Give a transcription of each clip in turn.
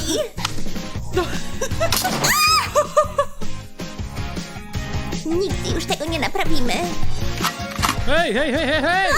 Nigdy już tego nie naprawimy. Hej, hej, hej, hej, hej!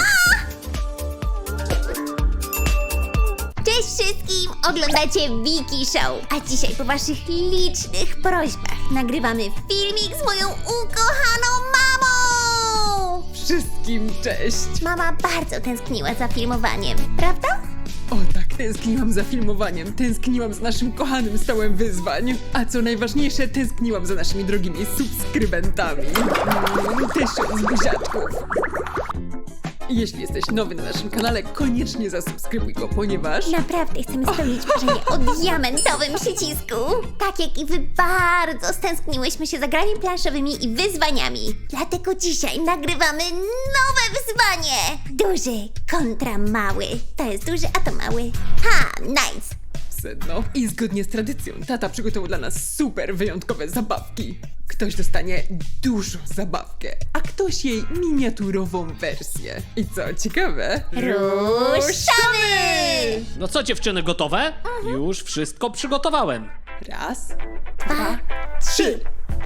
Cześć wszystkim! Oglądacie Wiki Show. A dzisiaj po waszych licznych prośbach nagrywamy filmik z moją ukochaną mamą! Wszystkim cześć! Mama bardzo tęskniła za filmowaniem, prawda? O tak, tęskniłam za filmowaniem, tęskniłam za naszym kochanym stołem wyzwań, a co najważniejsze, tęskniłam za naszymi drogimi subskrybentami. Tysiąc buziaczków! Jeśli jesteś nowy na naszym kanale, koniecznie zasubskrybuj go, ponieważ... Naprawdę chcemy spełnić marzenie o diamentowym przycisku. Tak jak i wy bardzo stęskniłyśmy się za grami planszowymi i wyzwaniami. Dlatego dzisiaj nagrywamy nowe wyzwanie. Duży kontra mały. To jest duży, a to mały. Ha, nice. Sedno. I zgodnie z tradycją, tata przygotował dla nas super wyjątkowe zabawki. Ktoś dostanie dużą zabawkę, a ktoś jej miniaturową wersję. I co ciekawe... Ruszamy! No co dziewczyny, gotowe? Już wszystko przygotowałem. Raz, 2, 3.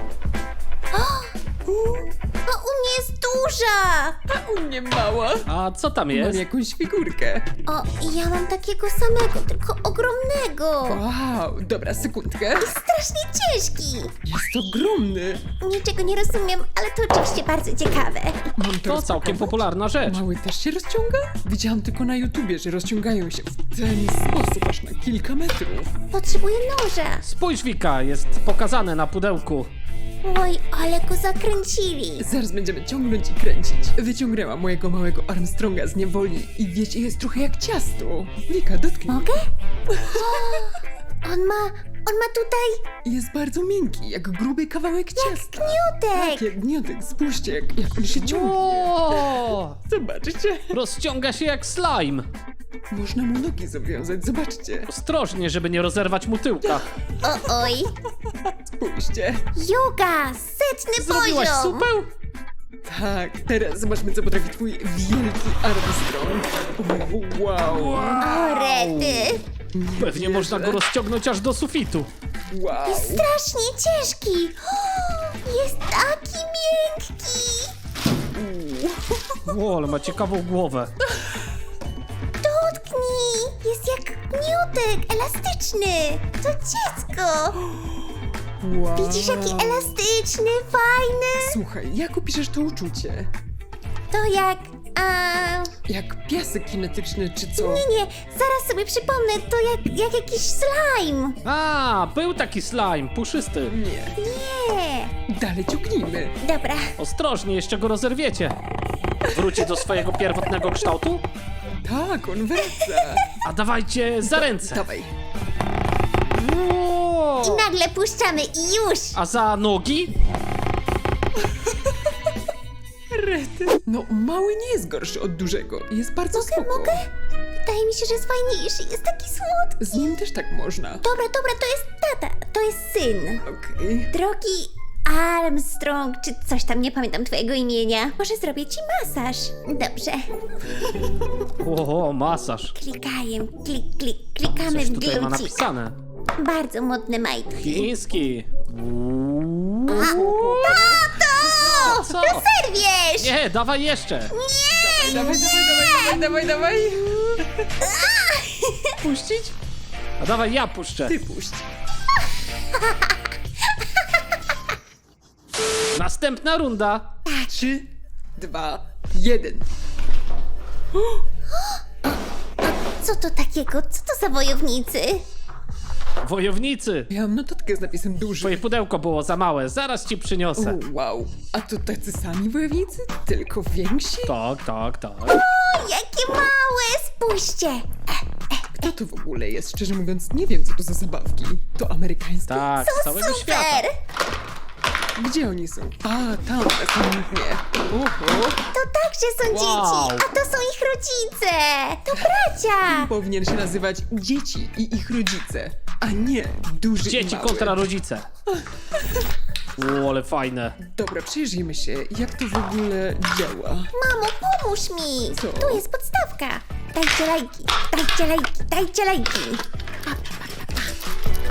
O, u mnie jest duża. A u mnie mała. A co tam Mam jest? jakąś figurkę. O, ja mam takiego samego, tylko ogromnego. Wow, dobra, sekundkę. Strasznie ciężki. Jest ogromny. Niczego nie rozumiem, ale to oczywiście bardzo ciekawe. Mam To całkiem rozpakować? popularna rzecz. Mały też się rozciąga? Widziałam tylko na YouTubie, że rozciągają się w ten sposób aż na kilka metrów. Potrzebuję noża. Spójrz, Wika, jest pokazane na pudełku. Oj, ale go zakręcili. Zaraz będziemy ciągnąć i kręcić. Wyciągnęłam mojego małego Armstronga z niewoli i wiecie, jest trochę jak ciasto. Wika, dotknij. Mogę? O, on ma tutaj Jest bardzo miękki, jak gruby kawałek ciasta. gniotek. Tak, jak gniotek. Spójrzcie, jak on się ciągnie. O! Zobaczcie. Rozciąga się jak slime. Można mu nogi zawiązać, zobaczcie. Ostrożnie, żeby nie rozerwać mu tyłka. O, oj. Spójrzcie. Yoga, setny Zrobiłaś poziom. supeł? Tak, teraz zobaczmy, co potrafi twój wielki Armstrong. Wow. O, rety. Pewnie można go rozciągnąć aż do sufitu. Wow. Jest strasznie ciężki. O, jest taki miękki. O, ale ma ciekawą głowę. Dotknij. Jest jak gniotek, elastyczny. To dziecko. Wow. Widzisz, jaki elastyczny, fajny? Słuchaj, jak opiszesz to uczucie? To jak... Jak piasek kinetyczny, czy co? Nie, zaraz sobie przypomnę, to jak jakiś slime. A, był taki slime, puszysty. Nie. Nie. Dalej ciągnijmy. Dobra, Ostrożnie, jeszcze go rozerwiecie. Wróci do swojego pierwotnego kształtu? Tak, on wraca. A dawajcie za ręce. Dawaj. O! i nagle puszczamy i już. A za nogi? Rety. No, mały nie jest gorszy od dużego. Jest bardzo spoko. Mogę? Wydaje mi się, że jest fajniejszy, jest taki słodki. Z nim też tak można. Dobra, to jest tata, to jest syn. Okej. Drogi Armstrong, czy coś tam, nie pamiętam twojego imienia. Może zrobię ci masaż. Dobrze. O, masaż. Klikamy Coś w tutaj ma glucik. napisane. Bardzo modne majtki. Chiński. Tato! Co? Rozerwiesz! Nie, dawaj jeszcze. Dawaj. Puścić? A dawaj, ja puszczę. Ty puść. Następna runda. 3, 2, 1. Co to takiego? Co to za wojownicy? Wojownicy. Ja mam notatkę z napisem duży. Twoje pudełko było za małe, zaraz ci przyniosę. Wow. A to tacy sami wojownicy? Tylko więksi? Tak. O, jakie małe! Spójrzcie! Kto to w ogóle jest? Szczerze mówiąc, nie wiem, co to za zabawki. To amerykańskie? Tak, z całego świata. Super! Gdzie oni są? A, tam, na samym dnie. Oho. To także są Wow. dzieci, a to są ich rodzice! To bracia! Powinien się nazywać Dzieci i ich rodzice, a nie Duży i Dzieci mały. kontra rodzice. O, ale fajne. Dobra, przyjrzyjmy się, jak to w ogóle działa. Mamo, pomóż mi! Co? Tu jest podstawka! Dajcie lajki, dajcie lajki, dajcie lajki!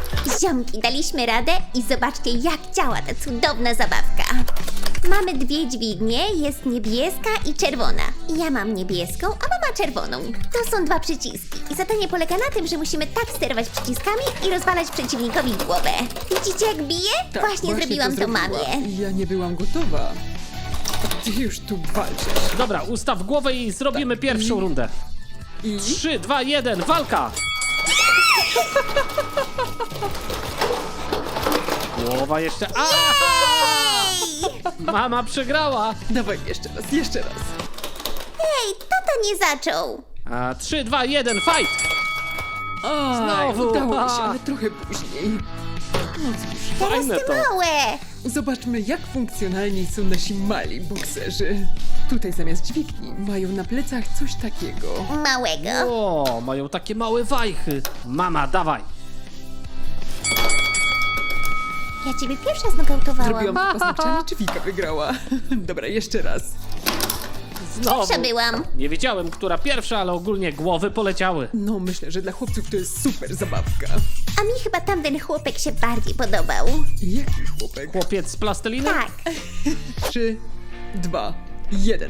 Ziomki, daliśmy radę i zobaczcie, jak działa ta cudowna zabawka. Mamy dwie dźwignie, jest niebieska i czerwona. Ja mam niebieską, a mama czerwoną. To są dwa przyciski i zadanie polega na tym, że musimy tak sterować przyciskami i rozwalać przeciwnikowi głowę. Widzicie, jak bije? Tak, właśnie zrobiłam to zrobiła. mamie. Ja nie byłam gotowa. A ty już tu walczysz. Dobra, ustaw głowę i zrobimy Tak. pierwszą rundę. I 3, 2, 1, walka! Głowa jeszcze... Mama przegrała! dawaj jeszcze raz, jeszcze raz. Ej, tata nie zaczął. 3, 2, 1, fight! Znowu. Udało mi się, ale trochę później. No cóż, Teraz Fajne te to. małe. zobaczmy jak funkcjonalni są nasi mali bokserzy. Tutaj zamiast dźwigni mają na plecach coś takiego. Małego. O, mają takie małe wajchy. Mama, dawaj! Ja ciebie pierwsza znokautowałam. Zrobiłam to paznokciami, czy Wika wygrała? Dobra, jeszcze raz. Znowu. Pierwsza byłam. Nie wiedziałem, która pierwsza, ale ogólnie głowy poleciały. No, myślę, że dla chłopców to jest super zabawka. A mi chyba tamten chłopek się bardziej podobał. Jaki chłopek? Chłopiec z plasteliny? Tak. 3, 2, 1.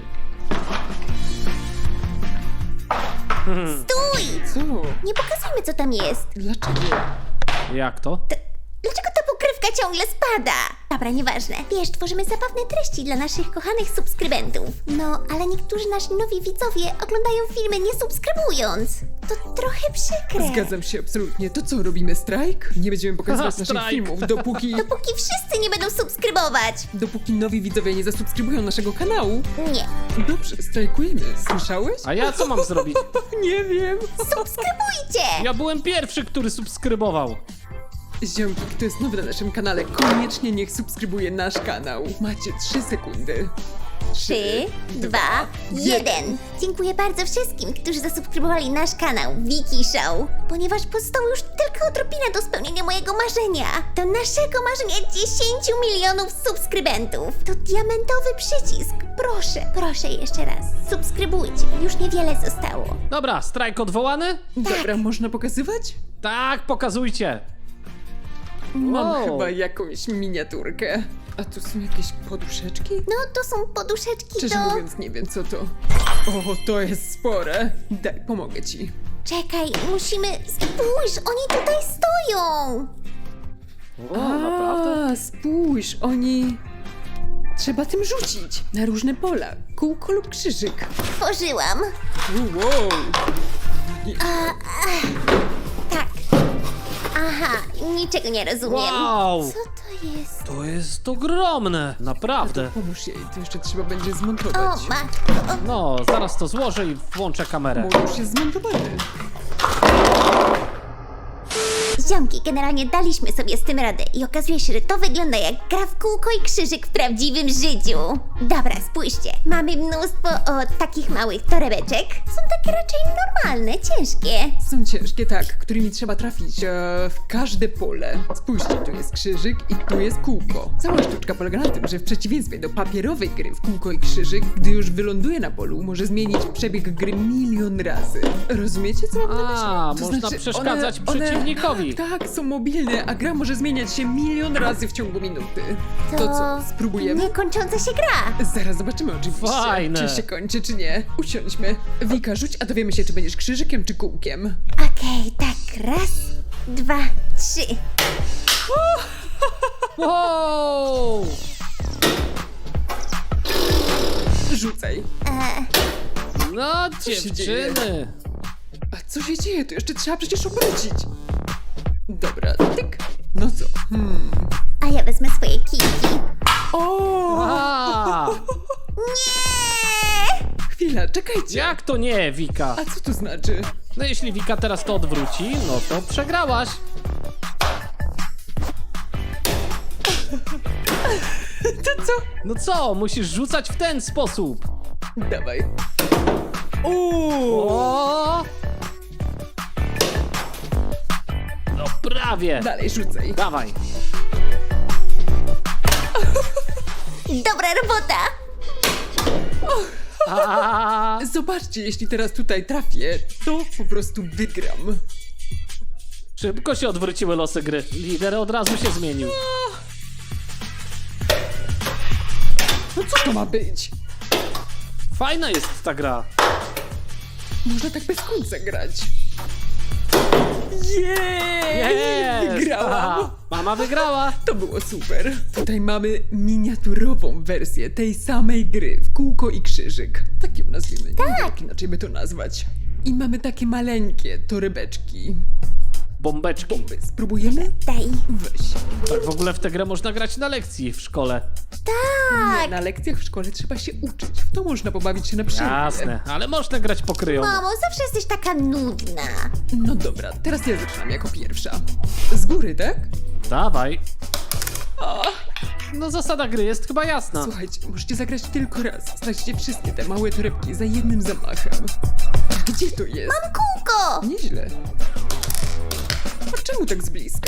Stój! Co? Nie pokazujmy, co tam jest. Dlaczego? Jak to? Dlaczego ta pokrywka ciągle spada? Dobra, nieważne. Wiesz, tworzymy zabawne treści dla naszych kochanych subskrybentów. No, ale niektórzy nasi nowi widzowie oglądają filmy nie subskrybując. To trochę przykre. Zgadzam się absolutnie. To co, robimy strajk? Nie będziemy pokazywać naszych Strajk. filmów, dopóki Dopóki wszyscy nie będą subskrybować. nowi widzowie nie zasubskrybują naszego kanału. Nie. Dobrze, strajkujemy. Słyszałeś? A ja co mam zrobić? Nie wiem. Subskrybujcie! Ja byłem pierwszy, który subskrybował. Ziomki, kto jest nowy na naszym kanale, koniecznie niech subskrybuje nasz kanał. Macie 3 sekundy. 3, 2, 1. Dziękuję bardzo wszystkim, którzy zasubskrybowali nasz kanał Wiki Show, ponieważ pozostało już tylko odrobinę do spełnienia mojego marzenia. Do naszego marzenia 10 milionów subskrybentów. To diamentowy przycisk. Proszę, proszę jeszcze raz. Subskrybujcie, już niewiele zostało. Dobra, strajk odwołany? Dobra, można pokazywać? Tak, pokazujcie. Mam Wow. chyba jakąś miniaturkę. A tu są jakieś poduszeczki? No, to są poduszeczki Szczerze do... mówiąc, nie wiem co to. O, to jest spore. Daj, pomogę ci. Czekaj, musimy... Spójrz, oni tutaj stoją! O, naprawdę? A, spójrz, oni... Trzeba tym rzucić na różne pola. Kółko lub krzyżyk. Tworzyłam. Wow. Tak. Aha, niczego nie rozumiem. Wow. Co to jest? To jest ogromne, naprawdę. Pomóż jej, to jeszcze trzeba będzie O, zmontować. matko. O, No, zaraz to złożę i włączę kamerę. Bo już jest zmontowany. ziomki, generalnie daliśmy sobie z tym radę i okazuje się, że to wygląda jak gra w kółko i krzyżyk w prawdziwym życiu. Dobra, spójrzcie. Mamy mnóstwo takich małych torebeczek. Są takie raczej normalne, ciężkie. Są ciężkie, tak, którymi trzeba trafić w każde pole. Spójrzcie, tu jest krzyżyk i tu jest kółko. Cała sztuczka polega na tym, że w przeciwieństwie do papierowej gry w kółko i krzyżyk, gdy już wyląduje na polu, może zmienić przebieg gry milion razy. Rozumiecie, co mam na myśli? A, To można znaczy, przeszkadzać przeciwnikowi. Tak, są mobilne, a gra może zmieniać się milion razy w ciągu minuty. To co, spróbujemy? Niekończąca się gra. Zaraz zobaczymy oczywiście, Fajne. czy się kończy, czy nie. Usiądźmy. Wika, rzuć, a dowiemy się, czy będziesz krzyżykiem, czy kółkiem. Okej, tak, raz, dwa, trzy. Wow! Rzucaj. No, się dzieje? dziewczyny. A co się dzieje? To jeszcze trzeba przecież obrócić. Dobra, tyk. No co? A ja wezmę swoje kijki. O! A, Nie! Chwila, czekajcie. jak to nie, Wika? A co to znaczy? No jeśli Wika teraz to odwróci, no to przegrałaś. To co? No co, musisz rzucać w ten sposób. Dawaj. O! O! No prawie. Dalej rzucaj. Dawaj. Dobra robota! A, Zobaczcie, jeśli teraz tutaj trafię, to po prostu wygram. Szybko się odwróciły losy gry. Lider od razu się zmienił. No co to ma być? Fajna jest ta gra. Można tak bez końca grać. Jej! Jest! Wygrałam! Aha, mama wygrała. To było super. Tutaj mamy miniaturową wersję tej samej gry w kółko i krzyżyk. Tak ją nazwijmy. Nie wiem, jak inaczej by to nazwać. I mamy takie maleńkie torebeczki. Bombeczki. Bomby. Spróbujemy? Daj. Weź. Tak w ogóle w tę grę można grać na lekcji w szkole. Nie, na lekcjach w szkole trzeba się uczyć. W to można pobawić się na przerwie. Jasne, ale można grać pokryjomo. Mamo, zawsze jesteś taka nudna. No dobra, teraz ja zaczynam jako pierwsza. Z góry, tak? Dawaj. No zasada gry jest chyba jasna. Słuchajcie, możecie zagrać tylko raz. Znajdźcie wszystkie te małe torebki za jednym zamachem. Gdzie to jest? Mam kółko! Nieźle. A czemu tak z bliska?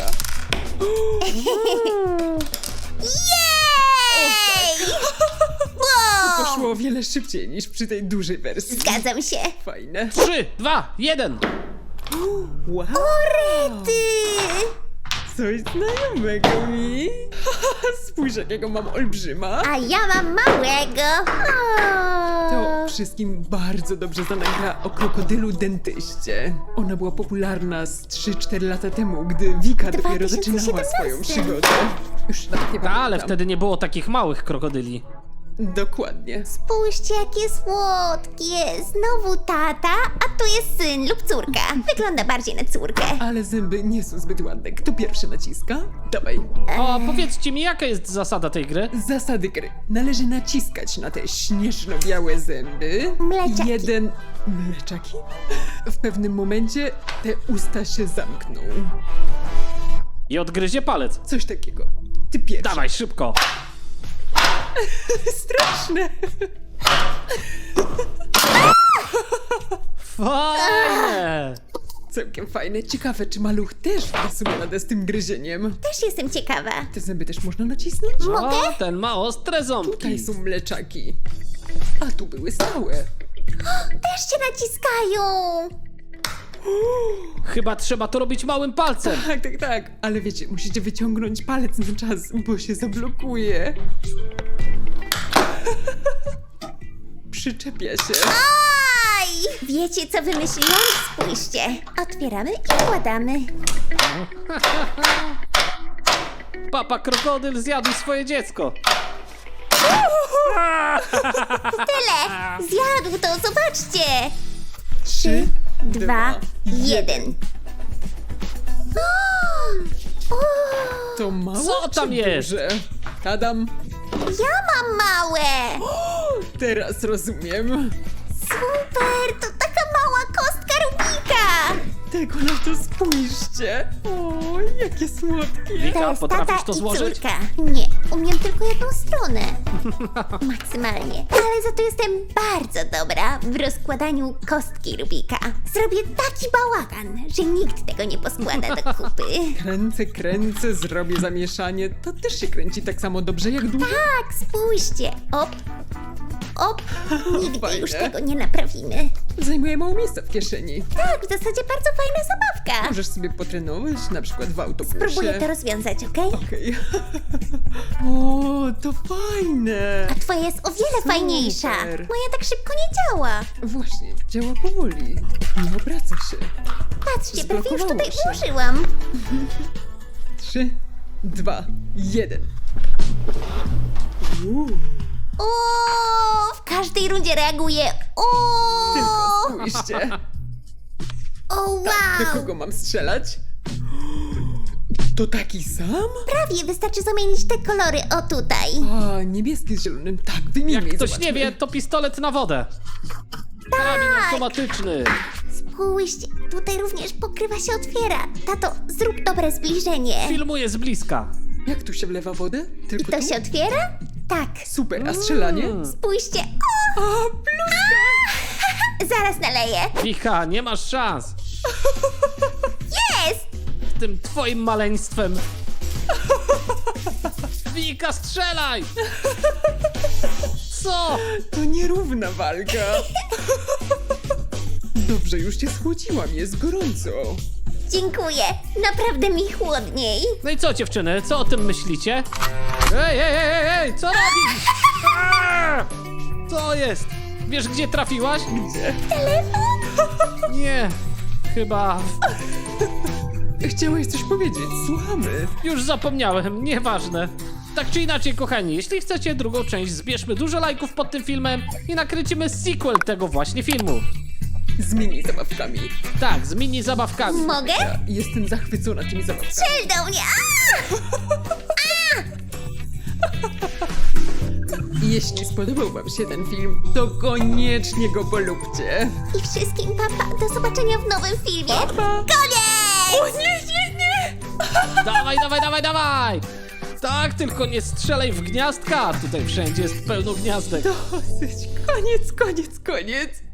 Jej! Wow! Poszło o wiele szybciej niż przy tej dużej wersji. Zgadzam się. Fajne. 3, 2, 1. Wow! Ty! Coś znajomego mi. Spójrz, jakiego mam olbrzyma. A ja mam małego. To wszystkim bardzo dobrze znana gra o krokodylu dentyście. Ona była popularna z 3-4 lata temu, gdy Wika dopiero zaczynała 2017. swoją przygodę. Już nawet nie Ta, ale pamiętam. wtedy nie było takich małych krokodyli. Dokładnie. Spójrzcie, jakie słodkie. Znowu tata, a tu jest syn lub córka. Wygląda bardziej na córkę. Ale zęby nie są zbyt ładne. Kto pierwszy naciska? Dawaj. O, powiedzcie mi, jaka jest zasada tej gry? Zasady gry. Należy naciskać na te śnieżno-białe zęby. Mleczaki. Jeden... Mleczaki? W pewnym momencie te usta się zamkną. I odgryzie palec. Coś takiego. Ty pierwszy. Dawaj, szybko. Straszne. Fajne. Całkiem fajne. Ciekawe, czy maluch też da sobie radę z tym gryzieniem. Też jestem ciekawa. Te zęby też można nacisnąć? O, ten ma ostre ząbki. Tutaj są mleczaki. A tu były stałe. Też cię naciskają. Chyba trzeba to robić małym palcem. Tak, tak, tak. Ale wiecie, musicie wyciągnąć palec na czas, bo się zablokuje. Przyczepia się. Aj! Wiecie, co wymyśliłam? Spójrzcie. Otwieramy i wkładamy. Papa krokodyl zjadł swoje dziecko. Tyle! Zjadł to, zobaczcie! 3, 2, 1. To małe Co tam czy jest? duże? Tadam. Ja mam małe! Teraz rozumiem. Super! To taka mała kostka Rubika! Tego na to spójrzcie. O, jakie słodkie. Wika, jest potrafisz tata to i złożyć? córka. Nie, umiem tylko jedną stronę. Maksymalnie. Ale za to jestem bardzo dobra w rozkładaniu kostki Rubika. Zrobię taki bałagan, że nikt tego nie poskłada do kupy. Kręcę, zrobię zamieszanie. To też się kręci tak samo dobrze jak duże. Tak, spójrzcie. Op, op. Nigdy Fajne. już tego nie naprawimy. Zajmuje mało miejsca w kieszeni. Tak, w zasadzie bardzo fajna zabawka. Możesz sobie potrenować, na przykład w autobusie. Próbuję to rozwiązać, okej? Okej. O, to fajne. A twoja jest o wiele Super. fajniejsza. Moja tak szybko nie działa. Właśnie, działa powoli. Nie obraca się. Patrzcie, prawie już Zblokowało tutaj się. ułożyłam. 3, 2, 1. O, w każdej rundzie reaguje. O, Tylko spójrzcie. o Do wow. kogo mam strzelać? To taki sam? Prawie wystarczy zamienić te kolory. O tutaj. A, niebieski z zielonym. Tak, wymienię. Jak i ktoś zobaczmy. nie wie, to pistolet na wodę. Karabin automatyczny. Spójrzcie, tutaj również pokrywa się otwiera. Tato, zrób dobre zbliżenie. Filmuje z bliska. Jak tu się wlewa wodę? I Tylko to tu? się otwiera? Tak. Super, a strzelanie? Spójrzcie. A, plus! Zaraz naleję. Wika, nie masz szans. Jest! Z tym twoim maleństwem. Wika, strzelaj! Co? To nierówna walka. Dobrze, już cię schłodziłam, jest gorąco. Dziękuję. Naprawdę mi chłodniej. No i co, dziewczyny, co o tym myślicie? Ej, co robisz? Aaa! Co jest? Wiesz, gdzie trafiłaś? Gdzie? Nie, chyba... Chciałeś coś powiedzieć, słuchamy. Już zapomniałem, nieważne. Tak czy inaczej, kochani, jeśli chcecie drugą część, zbierzmy dużo lajków pod tym filmem i nakręcimy sequel tego właśnie filmu. Z mini zabawkami. Tak, z mini zabawkami. Mogę? Ja jestem zachwycona tymi zabawkami. Strzel do mnie! I jeśli spodobał wam się ten film, to koniecznie go polubcie. I wszystkim papa. Do zobaczenia w nowym filmie. Pa! Koniec! Nie! Dawaj! Tak, tylko nie strzelaj w gniazdka. Tutaj wszędzie jest pełno gniazdek. Dosyć. Koniec.